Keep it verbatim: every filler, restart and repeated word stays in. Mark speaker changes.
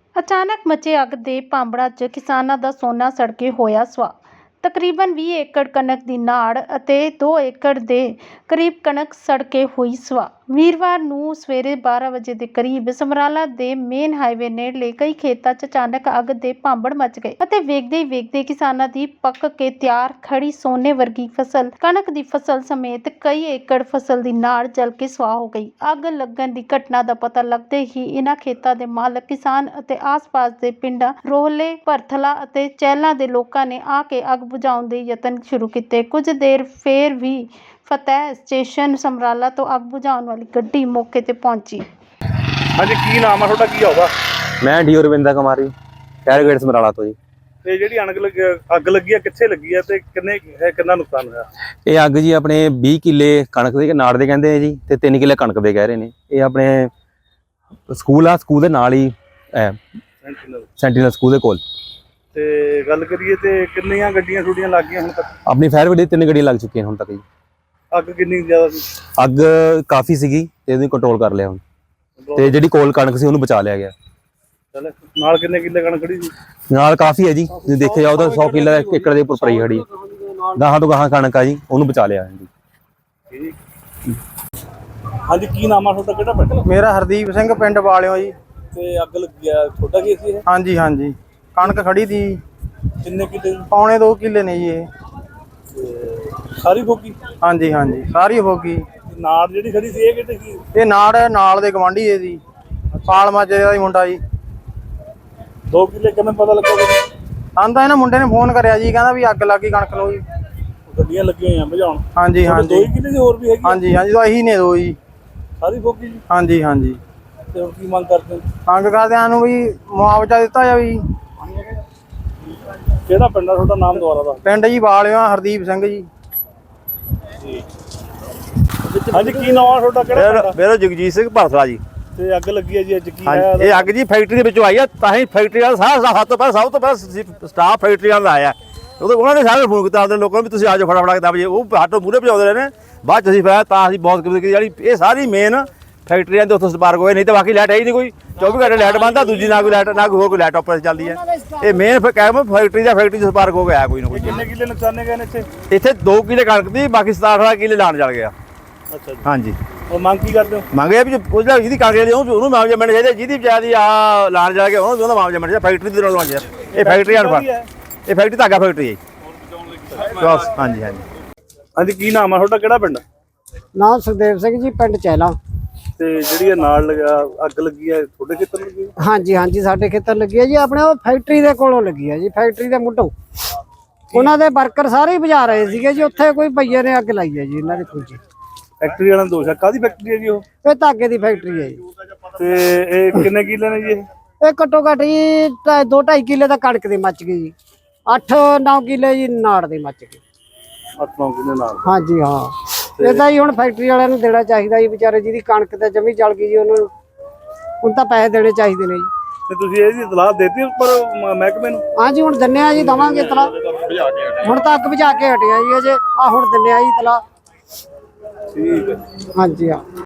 Speaker 1: ਅਚਾਨਕ ਮਚੇ ਅੱਗ ਦੇ ਭਾਂਬੜਾਂ 'ਚ ਕਿਸਾਨਾਂ ਦਾ ਸੋਨਾ ਸੜ ਕੇ ਹੋਇਆ ਸੁਆਹ। ਤਕਰੀਬਨ ਵੀਹ ਏਕੜ ਕਣਕ ਦੀ ਨਾੜ ਅਤੇ ਦੋ ਏਕੜ ਦੇ ਕਰੀਬ ਕਣਕ ਸੜ ਕੇ ਹੋਈ ਸੁਆਹ। ਵੀਰਵਾਰ ਨੂੰ ਸਵੇਰੇ ਬਾਰਾਂ ਵਜੇ ਦੇ ਕਰੀਬ ਸਮਰਾਲਾ ਦੇ ਮੇਨ ਹਾਈਵੇ ਨੇੜਲੇ ਕਈ ਖੇਤਾਂ 'ਚ ਅਚਾਨਕ ਅੱਗ ਦੇ ਭਾਂਬੜ ਮਚ ਗਏ ਅਤੇ ਵੇਖਦੇ ਹੀ ਵੇਖਦੇ ਕਿਸਾਨਾਂ ਦੀ ਪੱਕ ਕੇ ਤਿਆਰ ਖੜੀ ਸੋਨੇ ਵਰਗੀ ਫਸਲ ਕਣਕ ਦੀ ਫਸਲ ਸਮੇਤ ਕਈ ਏਕੜ ਫਸਲ ਦੀ ਨਾੜ ਜਲ ਕੇ ਸੁਆਹ ਹੋ ਗਈ। ਅੱਗ ਲੱਗਣ ਦੀ ਘਟਨਾ ਦਾ ਪਤਾ ਲੱਗਦੇ ਹੀ ਇਨ੍ਹਾਂ ਖੇਤਾਂ ਦੇ ਮਾਲਕ ਕਿਸਾਨ ਅਤੇ ਆਸ-ਪਾਸ ਦੇ ਪਿੰਡਾਂ ਰੋਹਲੇ, ਭਰਥਲਾ ਅਤੇ ਚਹਿਲਾਂ ਦੇ ਲੋਕਾਂ ਨੇ ਆ ਕੇ ਅੱਗ ਬੁਝਾਉਣ ਦੇ ਯਤਨ ਸ਼ੁਰੂ ਕੀਤੇ। ਕੁਝ ਦੇਰ ਫੇਰ ਵੀ ਫਤਿਹ ਸਟੇਸ਼ਨ ਸਮਰਾਲਾ ਤੋਂ ਅੱਗ ਬੁਝਾਉਣ ਵਾਲੀ ਗੱਡੀ ਮੌਕੇ ਤੇ ਪਹੁੰਚੀ।
Speaker 2: ਹਾਂਜੀ, ਕੀ ਨਾਮ ਆ ਤੁਹਾਡਾ, ਕੀ ਆਉਗਾ?
Speaker 3: ਮੈਂ ਡੀ ਰਵਿੰਦਰ ਕੁਮਾਰੀ, ਫਾਇਰ ਬ੍ਰਿਗੇਡ ਸਮਰਾਲਾ ਤੋਂ ਜੀ।
Speaker 2: ਤੇ ਜਿਹੜੀ ਅੱਗ ਲੱਗੀ ਅੱਗ ਲੱਗੀ ਆ ਕਿੱਥੇ ਲੱਗੀ ਆ ਤੇ ਕਿੰਨੇ ਕਿੰਨਾ ਨੁਕਸਾਨ ਹੋਇਆ?
Speaker 3: ਇਹ ਅੱਗ ਜੀ ਆਪਣੇ ਵੀਹ ਕਿੱਲੇ ਕਣਕ ਦੇ ਨਾੜ ਦੇ ਕਹਿੰਦੇ ਆ ਜੀ, ਤੇ ਤਿੰਨ ਕਿੱਲੇ ਕਣਕ ਦੇ ਕਹਿ ਰਹੇ ਨੇ। ਇਹ ਆਪਣੇ ਸਕੂਲ ਆ, ਸਕੂਲ ਦੇ ਨਾਲ ਹੀ ਸੈਂਟੀਨਲ ਸਕੂਲ ਦੇ ਕੋਲ।
Speaker 2: ਤੇ ਗੱਲ ਕਰੀਏ ਤੇ ਕਿੰਨੀਆਂ ਗੱਡੀਆਂ ਛੁੱਟੀਆਂ ਲੱਗ ਗਈਆਂ ਹੁਣ ਤੱਕ?
Speaker 3: ਆਪਣੀ ਫਾਇਰ ਬ੍ਰਿਗੇਡ ਤਿੰਨ ਗੱਡੀਆਂ ਲੱਗ ਚੁੱਕੀਆਂ ਹੁਣ ਤੱਕ ਜੀ।
Speaker 2: ਅੱਗ ਕਿੰਨੀ ਜ਼ਿਆਦਾ ਸੀ?
Speaker 3: ਅੱਗ ਕਾਫੀ ਸੀਗੀ ਤੇ ਇਹਨੂੰ ਕੰਟਰੋਲ ਕਰ ਲਿਆ ਹੁਣ, ਤੇ ਜਿਹੜੀ ਕੋਲ ਕਣਕ ਸੀ ਉਹਨੂੰ ਬਚਾ ਲਿਆ ਗਿਆ।
Speaker 2: ਚੱਲ ਨਾਲ ਕਿੰਨੇ ਕਿੱਲੇ ਕਣਕ ਖੜੀ ਸੀ?
Speaker 3: ਨਾਲ ਕਾਫੀ ਹੈ ਜੀ, ਜੇ ਦੇਖਿਆ ਜਾਓ ਤਾਂ ਸੌ ਕਿੱਲਾ ਏਕੜ ਦੇ ਉੱਪਰ ਪਈ ਖੜੀ। ਗਾਹਾਂ ਤੋਂ ਗਾਹਾਂ ਕਣਕ ਆ ਜੀ, ਉਹਨੂੰ ਬਚਾ ਲਿਆ ਜੀ।
Speaker 2: ਹਾਂਜੀ, ਕੀ ਨਾਮ ਆ ਤੁਹਾਡਾ, ਕਿਹੜਾ ਪਿੰਡ?
Speaker 4: ਮੇਰਾ ਹਰਦੀਪ ਸਿੰਘ, ਪਿੰਡ ਵਾਲਿਓ ਜੀ।
Speaker 2: ਤੇ ਅੱਗ ਲੱਗੀ ਆ, ਤੁਹਾਡਾ ਕੀ ਸੀ ਇਹ?
Speaker 4: ਹਾਂਜੀ ਹਾਂਜੀ, ਕਣਕ ਖੜੀ ਤੀ।
Speaker 2: ਕਿੰਨੇ ਕਿੱਲੇ?
Speaker 4: ਪੌਣੇ ਦੋ ਕਿੱਲੇ ਨੇ ਜੀ ਇਹ।
Speaker 2: ਸਾਰੀ ਫੋਕੀ?
Speaker 4: ਹਾਂਜੀ ਹਾਂਜੀ, ਸਾਰੀ ਹੋ ਗਈ।
Speaker 2: ਨਾੜ ਜਿਹੜੀ ਖੜੀ ਸੀ ਇਹ ਕਿੱਥੇ ਸੀ?
Speaker 4: ਇਹ ਨਾੜ ਨਾਲ ਦੇ ਗਵਾਂਢੀ ਇਹ ਦੀ ਪਾਲ ਮਾਜੇ ਦਾ ਹੀ ਮੁੰਡਾ ਜੀ।
Speaker 2: ਦੋ ਕਿੱਲੇ ਕਿਵੇਂ ਪਤਾ ਲੱਗਾ?
Speaker 4: ਆਂਦਾ ਇਹਨਾਂ ਮੁੰਡੇ ਨੇ ਫੋਨ ਕਰਿਆ ਜੀ, ਕਹਿੰਦਾ ਵੀ ਅੱਗ ਲੱਗ ਗਈ ਕਣਕ ਨੂੰ ਜੀ।
Speaker 2: ਗੱਡੀਆਂ ਲੱਗੀਆਂ ਹੋਈਆਂ ਬੁਝਾਉਣ?
Speaker 4: ਹਾਂਜੀ ਹਾਂਜੀ,
Speaker 2: ਦੋ ਹੀ ਕਿੱਲੇ ਦੀ ਹੋਰ ਵੀ ਹੈਗੀ?
Speaker 4: ਹਾਂਜੀ ਹਾਂਜੀ, ਤਾਂ ਇਹੀ ਨੇ ਦੋ ਜੀ।
Speaker 2: ਸਾਰੀ ਫੋਕੀ ਜੀ?
Speaker 4: ਹਾਂਜੀ ਹਾਂਜੀ।
Speaker 2: ਤੇ ਹੁਣ ਕੀ ਮੰਗ ਕਰਦੇ ਹੋ?
Speaker 4: ਮੰਗ ਕਰਦਿਆਂ ਨੂੰ ਵੀ ਮੁਆਵਜ਼ਾ ਦਿੱਤਾ ਜਾਵੇ ਜੀ।
Speaker 2: ਕਿਹੜਾ ਪਿੰਡ ਆ ਤੁਹਾਡਾ, ਨਾਮ ਦੁਆਰਾ ਦਾ?
Speaker 4: ਪਿੰਡ ਜੀ ਵਾਲਿਓ, ਹਰਦੀਪ ਸਿੰਘ ਜੀ।
Speaker 2: ਹਾਂਜੀ, ਕੀ ਨਾਮ ਆ ਤੁਹਾਡਾ, ਕਿਹੜਾ ਪਿੰਡ?
Speaker 5: ਮੇਰਾ ਜਗਜੀਤ ਸਿੰਘ ਭਰਥਲਾ ਜੀ।
Speaker 2: ਤੇ ਅੱਗ ਲੱਗੀ ਹੈ ਜੀ, ਅੱਜ ਕੀ
Speaker 5: ਹਾਂਜੀ,
Speaker 2: ਹੈ?
Speaker 5: ਇਹ ਅੱਗ ਜੀ ਫੈਕਟਰੀ ਦੇ ਵਿੱਚੋਂ ਆਈ ਆ। ਤਾਂ ਹੀ ਫੈਕਟਰੀ ਵਾਲਾ ਸਾਰਾ ਸਭ ਤੋਂ ਪਹਿਲਾਂ ਸਭ ਤੋਂ ਪਹਿਲਾਂ ਸਟਾਫ ਫੈਕਟਰੀ ਵਾਲਾ ਆਇਆ। ਉਦੋਂ ਉਹਨਾਂ ਨੇ ਸਾਰੇ ਫੋਨ ਕੀਤਾ ਆਪਣੇ ਲੋਕਾਂ ਨੂੰ ਵੀ ਤੁਸੀਂ ਆ ਜਾਓ ਫਟਾਫਟ ਕੇ ਦਬ ਜੇ। ਉਹ ਹੱਥੋਂ ਮੂਹਰੇ ਭਜਾਉਂਦੇ ਰਹੇ ਨੇ, ਬਾਅਦ ਚ ਅਸੀਂ ਫਿਰ ਤਾਂ ਅਸੀਂ ਬਹੁਤ ਕਿਤੇ ਜਿਹੜੀ ਇਹ ਸਾਰੀ ਮੇਨ ਫੈਕਟਰੀਆਂ ਦੇ ਉੱਥੋਂ ਸਪਾਰਕ ਹੋਏ। ਨਹੀਂ ਤਾਂ ਬਾਕੀ ਲਾਈਟ ਹੈ ਹੀ ਨਹੀਂ ਕੋਈ। ਚੌਵੀ ਘੰਟੇ ਲਾਈਟ ਬੰਦ ਆ, ਦੂਜੀ ਨਾ ਕੋਈ ਲਾਈਟ ਨਾ ਕੋਈ ਹੋਰ ਕੋਈ ਲਾਈਟ ਆਪਰੇਸ਼ਨ ਚੱਲਦੀ ਹੈ। ਇਹ ਮੇਨ ਕਹਿ ਫੈਕਟਰੀ ਦਾ ਫੈਕਟਰੀ ਸਪਾਰਕ ਹੋ ਗਿਆ ਕੋਈ ਨਾ ਕੋਈ।
Speaker 2: ਕਿੰਨੇ ਕਿੱਲੇ ਨੁਕਸਾਨੇ ਗਏ ਨੇ ਇੱਥੇ?
Speaker 5: ਇੱਥੇ ਦੋ ਕਿੱਲੇ ਕਣਕ ਦੀ, ਬਾਕੀ ਸਤਾਰਾਂ ਅਠਾਰਾਂ ਕਿੱਲੇ ਲਾਣ ਚਲ ਗਿਆ।
Speaker 2: ਅੱਛਾ ਜੀ।
Speaker 5: ਹਾਂਜੀ,
Speaker 2: ਉਹ ਮੰਗ ਕੀ ਕਰਦੇ ਹੋ?
Speaker 5: ਮੰਗਿਆ ਵੀ ਉਹ ਜਿਹੜਾ ਜਿਹਦੀ ਕਾਗਜ਼ ਲਈ ਉਹਨੂੰ ਮੁਆਵਜ਼ਾ ਮਿਲਣਾ ਚਾਹੀਦਾ, ਜਿਹਦੀ ਵਿਚਾਰੀ ਆ ਲਾਣ ਜਾ ਕੇ ਉਹਨੂੰ ਉਹਦਾ ਮੁਆਵਜ਼ਾ ਮਿਲਣਾ ਚਾਹੀਦਾ। ਫੈਕਟਰੀ ਦੇ ਨਾਲ ਮੁਆਵਜ਼ਾ ਇਹ ਫੈਕਟਰੀ ਅਨਫਰ ਇਹ ਫੈਕਟਰੀ ਧਾਗਾ ਫੈਕਟਰੀ ਹੈ ਜੀ। ਹਾਂਜੀ ਹਾਂਜੀ।
Speaker 2: ਹਾਂਜੀ, ਕੀ ਨਾਮ ਆ ਤੁਹਾਡਾ, ਕਿਹੜਾ ਪਿੰਡ?
Speaker 4: ਨਾਮ ਸੁਖਦੇਵ ਸਿੰਘ ਜੀ, ਪਿੰਡ ਚਹਿਲਾ।
Speaker 2: ਤੇ ਜਿਹੜੀ ਇਹ ਨਾਲ ਲਗਾ ਅੱਗ ਲੱਗੀ ਹੈ ਤੁਹਾਡੇ ਖੇਤਰ ਲੱਗੀ?
Speaker 4: ਹਾਂਜੀ ਹਾਂਜੀ, ਸਾਡੇ ਖੇਤਰ ਲੱਗੀ ਹੈ ਜੀ। ਆਪਣੇ ਉਹ ਫੈਕਟਰੀ ਦੇ ਕੋਲੋਂ ਲੱਗੀ ਹੈ ਜੀ, ਫੈਕਟਰੀ ਦੇ ਮੁੱਢੋਂ। ਉਹਨਾਂ ਦੇ ਵਰਕਰ ਸਾਰੇ ਹੀ ਬੁਝਾ ਰਹੇ ਸੀਗੇ ਜੀ। ਉੱਥੇ ਕੋਈ ਭਈਏ ਨੇ ਅੱਗ ਲਾਈ ਹੈ ਜੀ ਇਹਨਾਂ ਦੀ ਫੌਜੀ।
Speaker 2: ਫੈਕਟਰੀ ਵਾਲਾ ਦੋਸ਼ ਹੈ? ਕਾਹਦੀ ਫੈਕਟਰੀ ਹੈ ਜੀ ਉਹ?
Speaker 4: ਇਹ ਧਾਗੇ ਦੀ ਫੈਕਟਰੀ ਹੈ ਜੀ।
Speaker 2: ਤੇ ਇਹ ਕਿੰਨੇ ਕਿੱਲੇ ਨੇ ਜੀ ਇਹ?
Speaker 4: ਇਹ ਘੱਟੋ ਘੱਟ ਜੀ ਢਾਈ- ਦੋ ਢਾਈ ਕਿੱਲੇ ਤਾਂ ਕਣਕ ਦੀ ਮੱਚ ਗਈ ਜੀ। ਅੱਠ ਨੌ ਕਿੱਲੇ ਜੀ ਨਾੜ ਦੇ ਮੱਚ ਗਏ।
Speaker 2: ਅੱਠ ਨੌ ਕਿੱਲੇ ਨਾਲ?
Speaker 4: ਹਾਂਜੀ ਹਾਂ। ਇਹ ਤਾਂ ਜੀ ਹੁਣ ਫੈਕਟਰੀ ਵਾਲਿਆਂ ਨੂੰ ਦੇਣਾ ਚਾਹੀਦਾ ਜੀ, ਵਿਚਾਰੇ ਜਿਹਦੀ ਕਣਕ ਤੇ ਜਮੀ ਜਲ ਗਈ ਜੀ, ਉਹਨਾਂ ਨੂੰ ਹੁਣ ਤਾਂ ਪੈਸੇ ਦੇਣੇ ਚਾਹੀਦੇ ਨੇ ਜੀ।
Speaker 2: ਤੇ ਤੁਸੀਂ ਇਹਦੀ ਇਤਲਾਹ ਦੇਤੀ ਉੱਪਰ ਮਹਿਕਮੇ ਨੂੰ?
Speaker 4: ਹਾਂਜੀ, ਹੁਣ ਦਿੰਨੇ ਆ ਜੀ, ਦਵਾਂਗੇ ਇਤਲਾਹ। ਹੁਣ ਤਾਂ ਅੱਗ ਬੁਝਾ ਕੇ ਹਟਿਆ ਜੀ ਅਜੇ, ਆ ਹੁਣ ਦਿੰਨੇ ਆ ਜੀ ਇਤਲਾਹ।
Speaker 2: ਠੀਕ ਹੈ।
Speaker 4: ਹਾਂਜੀ ਹਾਂ।